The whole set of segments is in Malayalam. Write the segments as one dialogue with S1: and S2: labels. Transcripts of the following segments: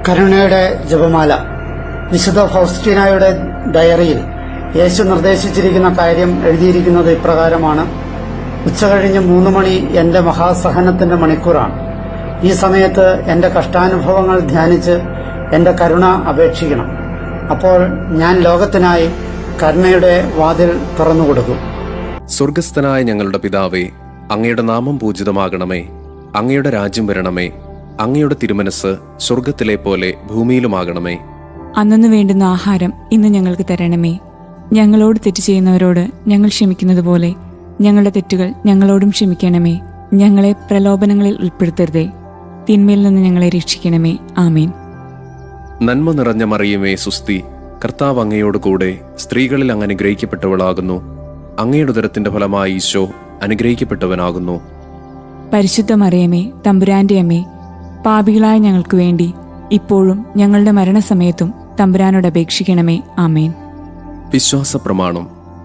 S1: കരുണയുടെ ജപമാല. വിശുദ്ധ ഫൗസ്റ്റീനായുടെ ഡയറിയിൽ യേശു നിർദ്ദേശിച്ചിരിക്കുന്ന കാര്യം എഴുതിയിരിക്കുന്നത് ഇപ്രകാരമാണ്: ഉച്ചകഴിഞ്ഞ് 3 മണി എന്റെ മഹാസഹനത്തിന്റെ മണിക്കൂറാണ്. ഈ സമയത്ത് എന്റെ കഷ്ടാനുഭവങ്ങൾ ധ്യാനിച്ച് എന്റെ കരുണ അപേക്ഷിക്കണം. അപ്പോൾ ഞാൻ ലോകത്തിനായി കരുണയുടെ വാതിൽ തുറന്നുകൊടുക്കും.
S2: സ്വർഗസ്ഥനായ ഞങ്ങളുടെ പിതാവേ, അങ്ങയുടെ നാമം പൂജിതമാകണമേ. അങ്ങയുടെ രാജ്യം വരണമേ. അങ്ങയുടെ തിരുമനസ് സ്വർഗത്തിലെ പോലെ ഭൂമിയിലുമാകണമേ.
S3: അന്നു വേണ്ടുന്ന ആഹാരം ഇന്ന് ഞങ്ങൾക്ക് തരണമേ. ഞങ്ങളോട് തെറ്റ് ചെയ്യുന്നവരോട് ഞങ്ങൾ ക്ഷമിക്കുന്നത് പോലെ ഞങ്ങളുടെ തെറ്റുകൾ ഞങ്ങളോടും ക്ഷമിക്കണമേ. ഞങ്ങളെ പ്രലോഭനങ്ങളിൽ ഉൾപ്പെടുത്തരുതേ, തിന്മയിൽ നിന്ന് ഞങ്ങളെ രക്ഷിക്കണമേ. ആമേൻ.
S2: നന്മ നിറഞ്ഞ മറിയമേ സുസ്തി, കർത്താവ് അങ്ങയോട് കൂടെ സ്ത്രീകളിൽ അങ്ങ് അനുഗ്രഹിക്കപ്പെട്ടവളാകുന്നു. അങ്ങയുടെ ഉദരത്തിന്റെ ഫലമായി ഈശോ അനുഗ്രഹിക്കപ്പെട്ടവനാകുന്നു.
S3: പരിശുദ്ധ മറിയമേ, തമ്പുരാന്റെ അമ്മേ, പാപികളായ ഞങ്ങൾക്ക് വേണ്ടി ഇപ്പോഴും ഞങ്ങളുടെ മരണസമയത്തും തമ്പുരാനോട് അപേക്ഷിക്കണമേ. ആമേൻ.
S2: വിശ്വാസ പ്രമാണം.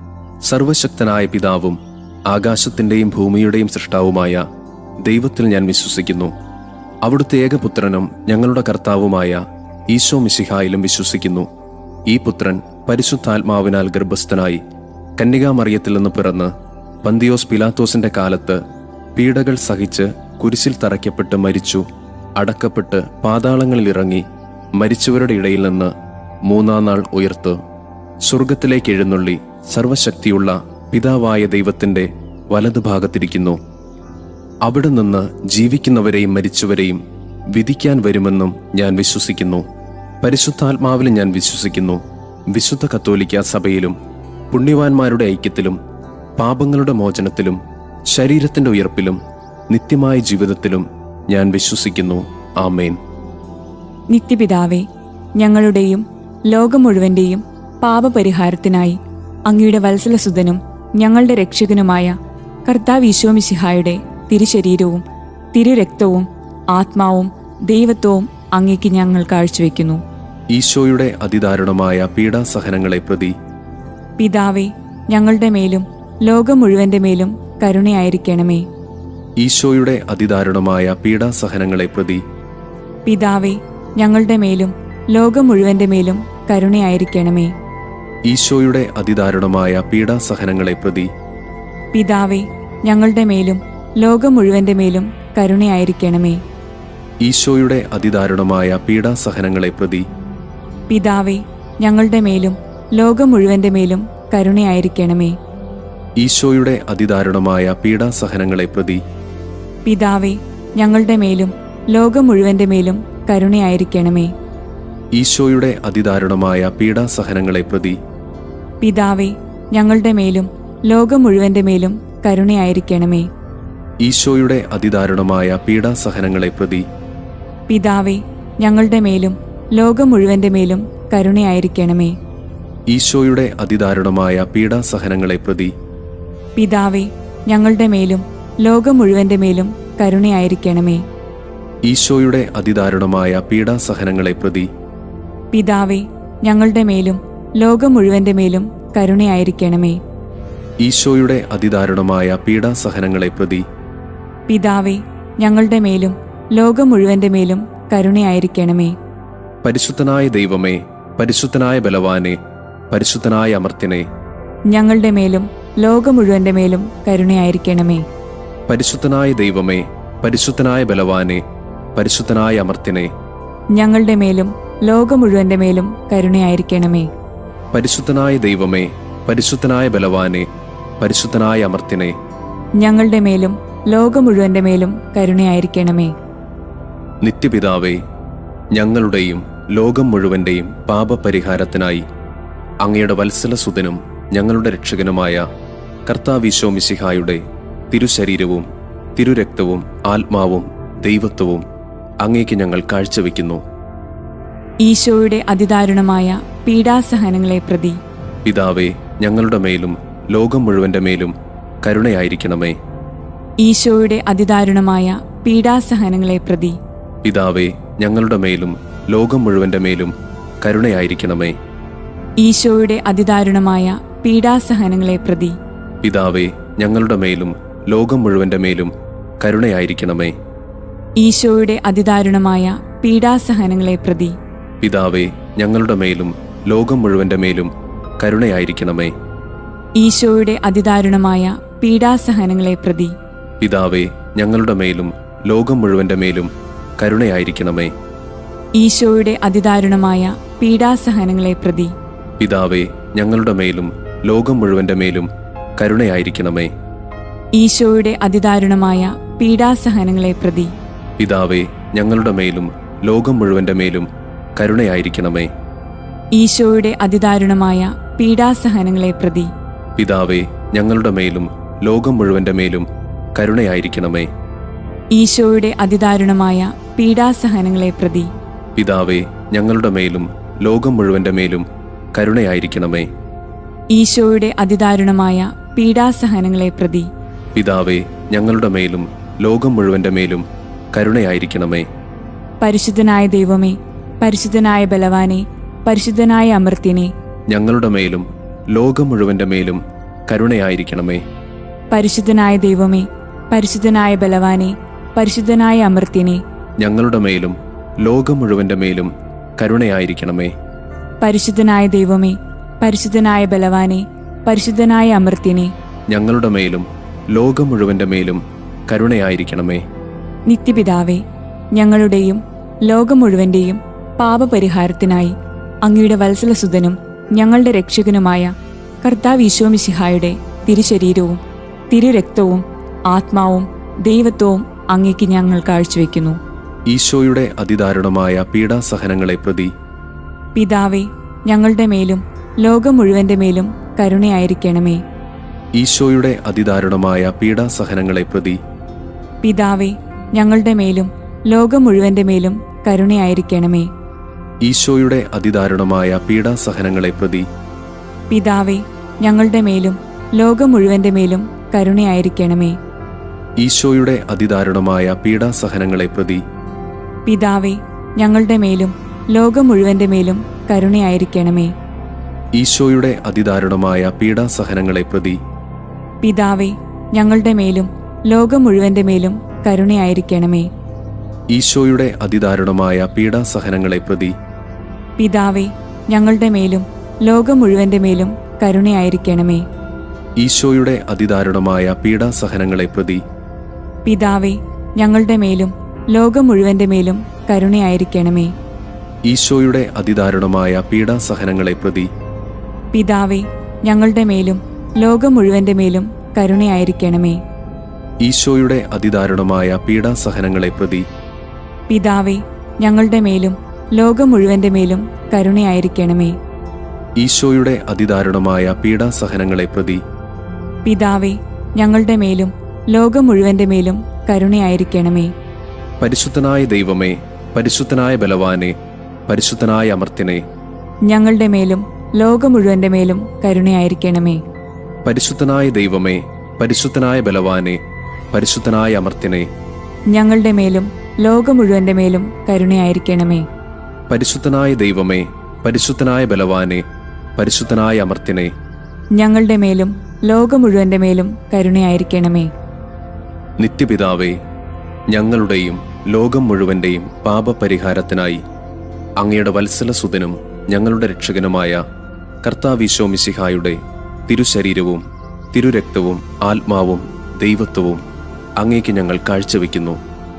S2: സർവശക്തനായ പിതാവും ആകാശത്തിന്റെയും ഭൂമിയുടെയും സൃഷ്ടാവുമായ ദൈവത്തിൽ ഞാൻ വിശ്വസിക്കുന്നു. അവിടുത്തെ ഏകപുത്രനും ഞങ്ങളുടെ കർത്താവുമായ ഈശോ മിശിഹായിലും വിശ്വസിക്കുന്നു. ഈ പുത്രൻ പരിശുദ്ധാത്മാവിനാൽ ഗർഭസ്ഥനായി കന്യകാമറിയത്തിൽ നിന്ന് പിറന്ന് പന്തിയോസ് പിലാത്തോസിന്റെ കാലത്ത് പീഡകൾ സഹിച്ച് കുരിശിൽ തറയ്ക്കപ്പെട്ട് മരിച്ചു, അടക്കപ്പെട്ട് പാതാളങ്ങളിൽ ഇറങ്ങി മരിച്ചവരുടെ ഇടയിൽ നിന്ന് 3-ാം നാൾ ഉയർത്തു സ്വർഗത്തിലേക്ക് എഴുന്നള്ളി സർവശക്തിയുള്ള പിതാവായ ദൈവത്തിന്റെ വലതുഭാഗത്തിരിക്കുന്നു. അവിടെ നിന്ന് ജീവിക്കുന്നവരെയും മരിച്ചവരെയും വിധിക്കാൻ വരുമെന്നും ഞാൻ വിശ്വസിക്കുന്നു. പരിശുദ്ധാത്മാവിൽ ഞാൻ വിശ്വസിക്കുന്നു. വിശുദ്ധ കത്തോലിക്ക സഭയിലും പുണ്യവാന്മാരുടെ ഐക്യത്തിലും പാപങ്ങളുടെ മോചനത്തിലും ശരീരത്തിന്റെ ഉയർപ്പിലും നിത്യമായ ജീവിതത്തിലും ഞാൻ വിശ്വസിക്കുന്നു. ആമേൻ.
S3: നിത്യപിതാവേ, ഞങ്ങളുടെയും ലോകം മുഴുവന്റെയും പാപപരിഹാരത്തിനായി അങ്ങയുടെ വത്സലസുതനും ഞങ്ങളുടെ രക്ഷകനുമായ കർത്താവ് ഈശോ മിശിഹായുടെ തിരുശരീരവും തിരുരക്തവും ആത്മാവും ദൈവത്വവും അങ്ങേക്ക് ഞങ്ങൾ കാഴ്ചവെക്കുന്നു.
S2: ഈശോയുടെ അതിദാരുണമായ പീഡാസഹനങ്ങളെ പ്രതി
S3: പിതാവേ, ഞങ്ങളുടെ മേലും ലോകം മുഴുവന്റെ മേലും കരുണയായിരിക്കണമേ.
S2: ഈശോയുടെ അതിദാരുണമായ പീഡാസഹനങ്ങളെ പ്രതി
S3: പിതാവേ, ഞങ്ങളുടെ മേലും ലോകം മുഴുവന്റെ മേലും കരുണയായിരിക്കണമേ.
S2: ഈശോയുടെ അതിദാരുണമായ പീഡാസഹനങ്ങളെ പ്രതി
S3: പിതാവേ, ഞങ്ങളുടെ മേലും ലോകം മുഴുവന്റെ മേലും കരുണയായിരിക്കണമേ.
S2: ഈശോയുടെ അതിദാരുണമായ പീഡാസഹനങ്ങളെ പ്രതി
S3: പിതാവേ, ഞങ്ങളുടെ മേലും ലോകം മുഴുവന്റെ മേലും കരുണയായിരിക്കണമേ.
S2: ഈശോയുടെ അതിദാരുണമായ പീഡാസഹനങ്ങളെ പ്രതി
S3: പിതാവേ, ഞങ്ങളുടെ മേലും ലോകം മുഴുവന്റെ മേലും കരുണയായിരിക്കണമേ.
S2: ഈശോയുടെ അതിദാരുണമായ പീഡാസഹനങ്ങളെ പ്രതി
S3: പിതാവേ, ഞങ്ങളുടെ മേലും ലോകം മുഴുവന്റെ മേലും കരുണയായിരിക്കണമേ.
S2: ഈശോയുടെ അതിദാരുണമായ പീഡാസഹനങ്ങളെ പ്രതി
S3: പിതാവേ, ഞങ്ങളുടെ മേലും ലോകം മുഴുവന്റെ മേലും കരുണയായിരിക്കണമേ.
S2: ഈശോയുടെ അതിദാരുണമായ പീഡാസഹനങ്ങളെ പ്രതി
S3: പിതാവേ, ഞങ്ങളുടെ മേലും ലോകം മുഴുവന്റെ മേലും കരുണയായിരിക്കണമേ.
S2: ഈശോയുടെ അതിദാരുണമായ പീഡാസഹനങ്ങളെ പ്രതി
S3: പിതാവേ, ഞങ്ങളുടെ മേലും ലോകം മുഴുവന്റെ മേലും കരുണയായിരിക്കണമേ.
S2: ഈശോയുടെ അതിദാരുണമായ പീഡാസഹനങ്ങളെ പ്രതി
S3: പിതാവേ, ഞങ്ങളുടെ മേലും ലോകം മുഴുവന്റെ മേലും കരുണയായിരിക്കണമേ.
S2: പരിശുദ്ധനായ ദൈവമേ, പരിശുദ്ധനായ ബലവാനെ, പരിശുദ്ധനായ അമർത്തിനെ,
S3: ഞങ്ങളുടെ മേലും ലോകം മുഴുവന്റെ മേലും കരുണയായിരിക്കണമേ.
S2: പരിശുദ്ധനായ ദൈവമേ, പരിശുദ്ധനായ ബലവാനെ, പരിശുദ്ധനായ അമർത്തിനെ,
S3: ഞങ്ങളുടെ മേലും ലോകം മുഴുവന്റെ മേലും കരുണയായിരിക്കണമേ.
S2: പരിശുദ്ധനായ ദൈവമേ, പരിശുദ്ധനായ ബലവാനെ, പരിശുദ്ധനായ അമർത്തിനെ,
S3: ഞങ്ങളുടെ മേലും ലോകം മുഴുവന്റെ മേലും കരുണയായിരിക്കണമേ.
S2: നിത്യപിതാവേ, ഞങ്ങളുടെയും ലോകം മുഴുവന്റെയും പാപപരിഹാരത്തിനായി അങ്ങയുടെ വത്സലസുതനും ഞങ്ങളുടെ രക്ഷകനുമായ കർത്താവ് ഈശോ മിശിഹായുടെ തിരുശരീരവും തിരുരക്തവും ആത്മാവും ദൈവത്വവും അങ്ങേക്ക് ഞങ്ങൾ കാഴ്ചവെക്കുന്നു.
S3: ഈശോയുടെ അതിദാരുണമായ പീഡാസഹനങ്ങളെ പ്രതി
S2: പിതാവേ, ഞങ്ങളുടെ മേലും ലോകം മുഴുവന്റെ മേലും കരുണയായിരിക്കണമേ.
S3: ഈശോയുടെ അതിദാരുണമായ പീഡാസഹനങ്ങളെ പ്രതി
S2: പിതാവേ, ഞങ്ങളുടെ മേലും ലോകം മുഴുവന്റെ മേലും കരുണയായിരിക്കണമേ.
S3: ഈശോയുടെ അതിദാരുണമായ പീഡാസഹനങ്ങളെ പ്രതി
S2: പിതാവേ, ഞങ്ങളുടെ മേലും ലോകം മുഴുവന്റെ മേലും കരുണയായിരിക്കണമേ.
S3: ഈശോയുടെ അതിദാരുണമായ പീഡാസഹനങ്ങളെ പ്രതി
S2: പിതാവേ, ഞങ്ങളുടെ മേലും ലോകം മുഴുവന്റെ മേലും കരുണയായിരിക്കണമേ.
S3: ഈശോയുടെ അതിദാരുണമായ പീഡാസഹനങ്ങളെ പ്രതി
S2: പിതാവേ, ഞങ്ങളുടെ മേലും ലോകം മുഴുവന്റെ മേലും കരുണയായിരിക്കണമേ.
S3: ഈശോയുടെ അതിദാരുണമായ പീഡാസഹനങ്ങളെ പ്രതി
S2: പിതാവേ, ഞങ്ങളുടെ മേലും ലോകം മുഴുവന്റെ മേലും കരുണയായിരിക്കണമേ.
S3: ഈശോയുടെ അതിദാരുണമായ പീഡാസഹനങ്ങളെ പ്രതി
S2: പിതാവേ, ഞങ്ങളുടെ മേലും ലോകം മുഴുവന്റെ മേലും കരുണയായിരിക്കണമേ.
S3: ഈശോയുടെ അതിദാരുണമായ പീഡാസഹനങ്ങളെ പ്രതി
S2: പിതാവേ, ഞങ്ങളുടെ മേലും ലോകം മുഴുവന്റെ മേലും കരുണയായിരിക്കണമേ.
S3: ഈശോയുടെ അതിദാരുണമായ പീഡാസഹനങ്ങളെ പ്രതി
S2: പിതാവേ, ഞങ്ങളുടെ മേലും ലോകം മുഴുവന്റെ മേലും കരുണയായിരിക്കണമേ.
S3: ഈശോയുടെ അതിദാരുണമായ പീഡാസഹനങ്ങളെ പ്രതി
S2: പിതാവേ, ഞങ്ങളുടെ മേലും ലോകം മുഴുവന്റെ മേലും കരുണയായിരിക്കണമേ.
S3: പരിശുദ്ധനായ ദൈവമേ, പരിശുദ്ധനായ ബലവാനെ, പരിശുദ്ധനായ അമർത്യനെ,
S2: ഞങ്ങളുടെ മേലും ലോകം മുഴുവന്റെ മേലും കരുണയായിരിക്കണമേ.
S3: പരിശുദ്ധനായ ദൈവമേ, പരിശുദ്ധനായ ബലവാനെ, പരിശുദ്ധനായ അമർത്യനെ,
S2: ഞങ്ങളുടെ മേലും ലോകം മുഴുവന്റെ മേലും കരുണയായിരിക്കണമേ.
S3: പരിശുദ്ധനായ ദൈവമേ, പരിശുദ്ധനായ ബലവാനെ, പരിശുദ്ധനായ അമർത്യനെ,
S2: ഞങ്ങളുടെ മേലും ലോകം മുഴുവന്റെ മേലും കരുണയായിരിക്കണമേ.
S3: നിത്യപിതാവേ, ഞങ്ങളുടെയും ലോകം മുഴുവന്റെയും പാപപരിഹാരത്തിനായി അങ്ങയുടെ വത്സലസുതനും ഞങ്ങളുടെ രക്ഷകനുമായ കർത്താവ് ഈശോ മിശിഹായുടെ തിരുശരീരവും തിരുരക്തവും ആത്മാവും ദൈവത്വവും അങ്ങേക്ക് ഞങ്ങൾ കാഴ്ചവെക്കുന്നു.
S2: ഈശോയുടെ അതിദാരുണമായ പീഡാസഹനങ്ങളെ പ്രതി
S3: പിതാവേ, ഞങ്ങളുടെ മേലും ലോകം മുഴുവന്റെ മേലും കരുണയായിരിക്കണമേ.
S2: ഈശോയുടെ അതിദാരുണമായ പീഡാസഹനങ്ങളെ പ്രതി
S3: പിതാവേ, ഞങ്ങളുടെ മേലും ലോകം മുഴുവന്റെ മേലും കരുണയായിരിക്കണമേ.
S2: ഈശോയുടെ അതിദാരുണമായ പീഡാസഹനങ്ങളെ പ്രതി
S3: പിതാവേ, ഞങ്ങളുടെ മേലും ലോകം മുഴുവന്റെ മേലും കരുണയായിരിക്കണമേ.
S2: ഈശോയുടെ അതിദാരുണമായ പീഡാസഹനങ്ങളെ പ്രതി
S3: പിതാവേ, ഞങ്ങളുടെ മേലും ലോകം മുഴുവന്റെ മേലും കരുണയായിരിക്കണമേ.
S2: ഈശോയുടെ അതിദാരുണമായ പീഡാസഹനങ്ങളെ പ്രതി
S3: പിതാവേ, ഞങ്ങളുടെ മേലും ലോകം മുഴുവന്റെ മേലും കരുണയായിരിക്കണമേ.
S2: ഈശോയുടെ അതിദാരുണമായ പീഡാസഹനങ്ങളെ പ്രതി
S3: പിതാവേ, ഞങ്ങളുടെ മേലും ലോകം മുഴുവന്റെ മേലും കരുണയായിരിക്കണമേ.
S2: ഈശോയുടെ അതിദാരുണമായ പീഡാസഹനങ്ങളെ പ്രതി
S3: പിതാവേ, ഞങ്ങളുടെ മേലും ലോകം മുഴുവന്റെ മേലും കരുണയായിരിക്കണമേ.
S2: ഈശോയുടെ അതിദാരുണമായ പീഡാസഹനങ്ങളെ പ്രതി
S3: പിതാവേ, ഞങ്ങളുടെ മേലും ലോകം മുഴുവന്റെ മേലും കരുണയായിരിക്കണമേ.
S2: ഈശോയുടെ അതിദാരുണമായ പീഡാസഹനങ്ങളെ പ്രതി
S3: പിതാവേ, ഞങ്ങളുടെ മേലും ലോകം മുഴുവന്റെ മേലും കരുണയായിരിക്കണമേ.
S2: ഈശോയുടെ അതിദാരുണമായ പീഡാസഹനങ്ങളെ പ്രതി
S3: പിതാവേ, ഞങ്ങളുടെ മേലും ലോകം മുഴുവന്റെ മേലും കരുണയായിരിക്കണമേ.
S2: പരിശുദ്ധനായ ദൈവമേ, പരിശുദ്ധനായ ബലവാനെ, പരിശുദ്ധനായ അമർത്യനെ,
S3: ഞങ്ങളുടെ മേലും ലോകം മുഴുവന്റെ മേലും കരുണയായിരിക്കണമേ.
S2: പരിശുദ്ധനായ ദൈവമേ, പരിശുദ്ധനായ ബലവാനെ, പരിശുദ്ധനായ അമർത്യനെ,
S3: ഞങ്ങളുടെ മേലും ലോകം മുഴുവന്റെ മേലും കരുണയായിരിക്കണമേ.
S2: പരിശുദ്ധനായ ദൈവമേ, പരിശുദ്ധനായ ബലവാനെ, പരിശുദ്ധനായ അമർത്യനെ,
S3: ഞങ്ങളുടെ മേലും ലോകം മുഴുവന്റെ മേലും കരുണയായിരിക്കണമേ.
S2: നിത്യപിതാവേ, ഞങ്ങളുടെയും ലോകം മുഴുവന്റെയും പാപപരിഹാരത്തിനായി അങ്ങയുടെ വത്സലസുതനും ഞങ്ങളുടെ രക്ഷകനുമായ കർത്താവ് ഈശോ മിശിഹായുടെ തിരുശരീരവും തിരുരക്തവും ആത്മാവും ദൈവത്വവും അങ്ങേക്ക് ഞങ്ങൾ കാഴ്ചവെക്കുന്നു.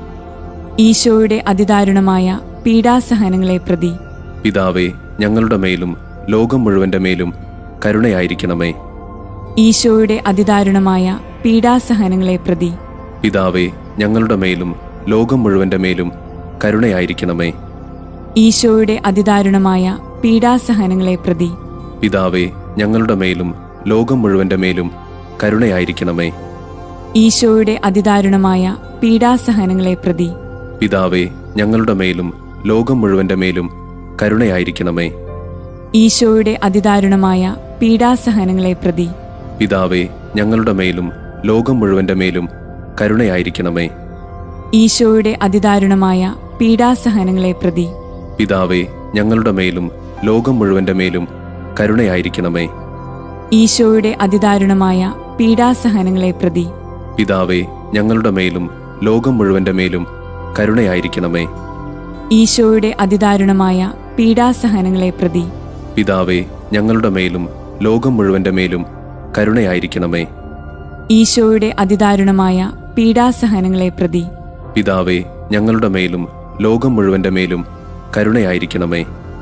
S3: ഈശോയുടെ അതിദാരുണമായ പീഡാസഹനങ്ങളെ പ്രതി
S2: പിതാവേ, ഞങ്ങളുടെ മേലും ലോകം മുഴുവന്റെ മേലും കരുണയായിരിക്കണമേ.
S3: ഈശോയുടെ അതിദാരുണമായ പീഡാസഹനങ്ങളെ പ്രതി
S2: പിതാവേ, ഞങ്ങളുടെ മേലും ലോകം മുഴുവന്റെ മേലും കരുണയായിരിക്കണമേ.
S3: ഈശോയുടെ അതിദാരുണമായ പീഡാസഹനങ്ങളെ പ്രതി
S2: പിതാവേ, ഞങ്ങളുടെ മേലും ലോകം മുഴുവന്റെ മേലും കരുണയായിരിക്കണമേ.
S3: ഈശോയുടെ അതിദാരുണമായ പീഡാസഹനങ്ങളെ പ്രതി
S2: പിതാവേ, ഞങ്ങളുടെ മേലും ലോകം മുഴുവന്റെ മേലും കരുണയായിരിക്കണമേ.
S3: ഈശോയുടെ അതിദാരുണമായ പീഡാസഹനങ്ങളെ പ്രതി
S2: പിതാവേ, ഞങ്ങളുടെ മേലും ലോകം മുഴുവന്റെ മേലും കരുണയായിരിക്കണമേ.
S3: ഈശോയുടെ അതിദാരുണമായ പീഡാസഹനങ്ങളെ പ്രതി
S2: പിതാവേ, ഞങ്ങളുടെ മേലും ലോകം മുഴുവന്റെ മേലും കരുണയായിരിക്കണമേ.
S3: ഈശോയുടെ അതിദാരുണമായ പീഡാസഹനങ്ങളെ പ്രതി
S2: പിതാവേ, ഞങ്ങളുടെ മേലും ലോകം മുഴുവന്റെ മേലും കരുണയായിരിക്കണമേ.
S3: ഈശോയുടെ അതിദാരുണമായ പീഡാസഹനങ്ങളെ പ്രതി
S2: പിതാവേ, ഞങ്ങളുടെ മേലും ലോകം മുഴുവന്റെ മേലും കരുണയായിരിക്കണമേ.
S3: ഈശോയുടെ അതിദാരുണമായ പീഡാസഹനങ്ങളെ പ്രതി
S2: പിതാവേ, ഞങ്ങളുടെ മേലും ലോകം മുഴുവന്റെ മേലും കരുണയായിരിക്കണമേ.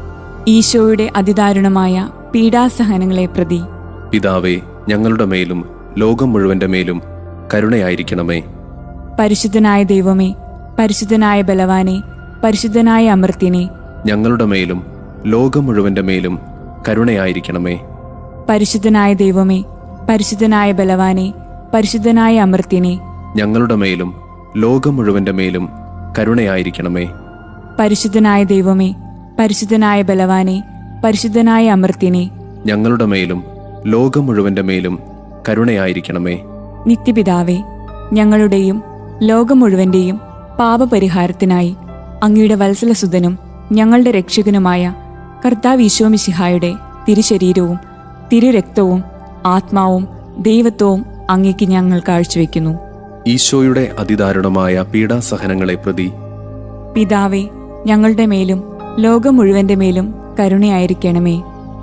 S3: ഈശോയുടെ അതിദാരുണമായ പീഡാസഹനങ്ങളെ പ്രതി
S2: പിതാവേ, ഞങ്ങളുടെ മേലും ലോകം മുഴുവന്റെ മേലും കരുണയായിരിക്കണമേ.
S3: പരിശുദ്ധനായ ദൈവമേ, പരിശുദ്ധനായ ബലവാനെ, പരിശുദ്ധനായ അമർത്യനെ,
S2: ഞങ്ങളുടെ മേലും ലോകം മുഴുവന്റെ മേലും കരുണയായിരിക്കണമേ.
S3: പരിശുദ്ധനായ ദൈവമേ, പരിശുദ്ധനായ ബലവാനെ, പരിശുദ്ധനായ അമർത്യനെ,
S2: ഞങ്ങളുടെ മേലും ലോകം മുഴുവന്റെ മേലും കരുണയായിരിക്കണമേ.
S3: പരിശുദ്ധനായ ദൈവമേ, പരിശുദ്ധനായ ബലവാനെ, പരിശുദ്ധനായ അമർത്യനെ,
S2: ഞങ്ങളുടെ മേലും ലോകം മുഴുവന്റെ മേലും കരുണയായിരിക്കണമേ.
S3: നിത്യപിതാവേ, ഞങ്ങളുടെയും ലോകം മുഴുവന്റെയും പാപപരിഹാരത്തിനായി അങ്ങയുടെ വത്സലസുതനും ഞങ്ങളുടെ രക്ഷകനുമായ കർത്താവ് ഈശോ മിശിഹായുടെ തിരുശരീരവും തിരുരക്തവും ആത്മാവും ദൈവത്വവും അങ്ങേക്ക് ഞങ്ങൾ കാഴ്ചവെക്കുന്നു.
S2: ഈശോയുടെ അതിദാരുണമായ പീഡാസഹനങ്ങളെ പ്രതി
S3: പിതാവേ, ഞങ്ങളുടെ മേലും ലോകം മുഴുവന്റെ മേലും കരുണയായിരിക്കണമേ.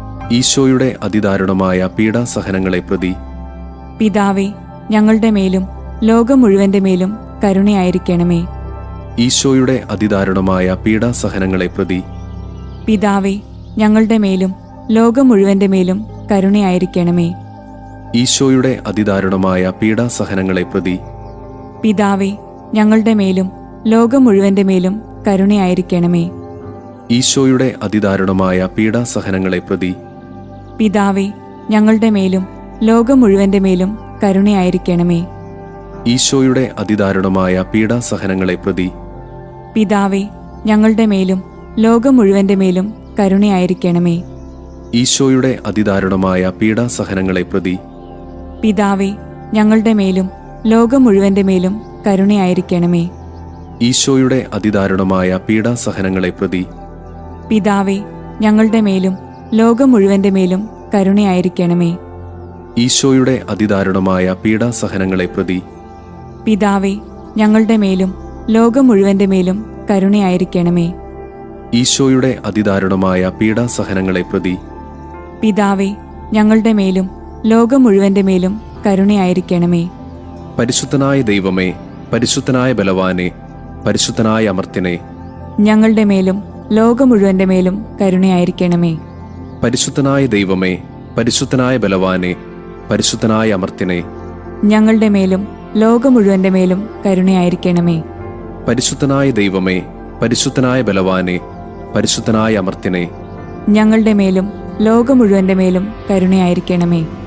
S2: ഈശോയുടെ അതിദാരുണമായ പീഡാസഹനങ്ങളെ പ്രതി
S3: പിതാവേ, ഞങ്ങളുടെ മേലും ലോകം മുഴുവന്റെ മേലും കരുണയായിരിക്കണമേ.
S2: ഈശോയുടെ അതിദാരുണമായ പീഡാസഹനങ്ങളെ പ്രതി
S3: പിതാവേ, ഞങ്ങളുടെ മേലും ലോകം മുഴുവന്റെ മേലും കരുണയായിരിക്കണമേ.
S2: ഈശോയുടെ അതിദാരുണമായ പീഡാസഹനങ്ങളെ പ്രതി
S3: പിതാവേ, ഞങ്ങളുടെ മേലും ലോകം മുഴുവന്റെ മേലും കരുണയായിരിക്കണമേ.
S2: ഈശോയുടെ അതിദാരുണമായ പീഡാസഹനങ്ങളെ പ്രതി
S3: പിതാവേ, ഞങ്ങളുടെ മേലും ലോകം മുഴുവന്റെ മേലും കരുണയായിരിക്കണമേ.
S2: ഈശോയുടെ അതിദാരുണമായ പീഡാസഹനങ്ങളെ പ്രതി
S3: പിതാവേ, ഞങ്ങളുടെ മേലും ലോകം മുഴുവന്റെ മേലും കരുണയായിരിക്കണമേ.
S2: ഈശോയുടെ അതിദാരുണമായ പീഡാസഹനങ്ങളെ പ്രതി
S3: പിതാവേ, ഞങ്ങളുടെ മേലും ലോകം മുഴുവന്റെ മേലും കരുണയായിരിക്കണമേ.
S2: ഈശോയുടെ അതിദാരുണമായ പീഡാസഹനങ്ങളെ പ്രതി
S3: പിതാവേ, ഞങ്ങളുടെ മേലും ലോകം മുഴുവന്റെ മേലും കരുണയായിരിക്കണമേ.
S2: ഈശോയുടെ അതിദാരുണമായ പീഡാസഹനങ്ങളെ പ്രതി
S3: പിതാവേ, ഞങ്ങളുടെ മേലും ലോകം മുഴുവന്റെ മേലും കരുണയായിരിക്കണമേ.
S2: ഈശോയുടെ അതിദാരുണമായ പീഡാസഹനങ്ങളെ പ്രതി
S3: പിതാവേ, ഞങ്ങളുടെ മേലും ലോകം മുഴുവന്റെ മേലും കരുണയായിരിക്കണമേ.
S2: പരിശുദ്ധനായ ദൈവമേ, പരിശുദ്ധനായ ബലവാനെ, പരിശുദ്ധനായ അമർത്യനെ,
S3: ഞങ്ങളുടെ മേലും ലോകം മുഴുവന്റെ മേലും കരുണയായിരിക്കണമേ.
S2: പരിശുദ്ധനായ ദൈവമേ, പരിശുദ്ധനായ ബലവാനെ, പരിശുദ്ധനായ അമർത്യനെ,
S3: ഞങ്ങളുടെ മേലും ലോകം മുഴുവന്റെ മേലും കരുണയായിരിക്കണമേ.
S2: പരിശുദ്ധനായ ദൈവമേ, പരിശുദ്ധനായ ബലവാനെ, പരിശുദ്ധനായ അമർത്യനെ,
S3: ഞങ്ങളുടെ മേലും ലോകം മുഴുവന്റെ മേലും കരുണയായിരിക്കണമേ.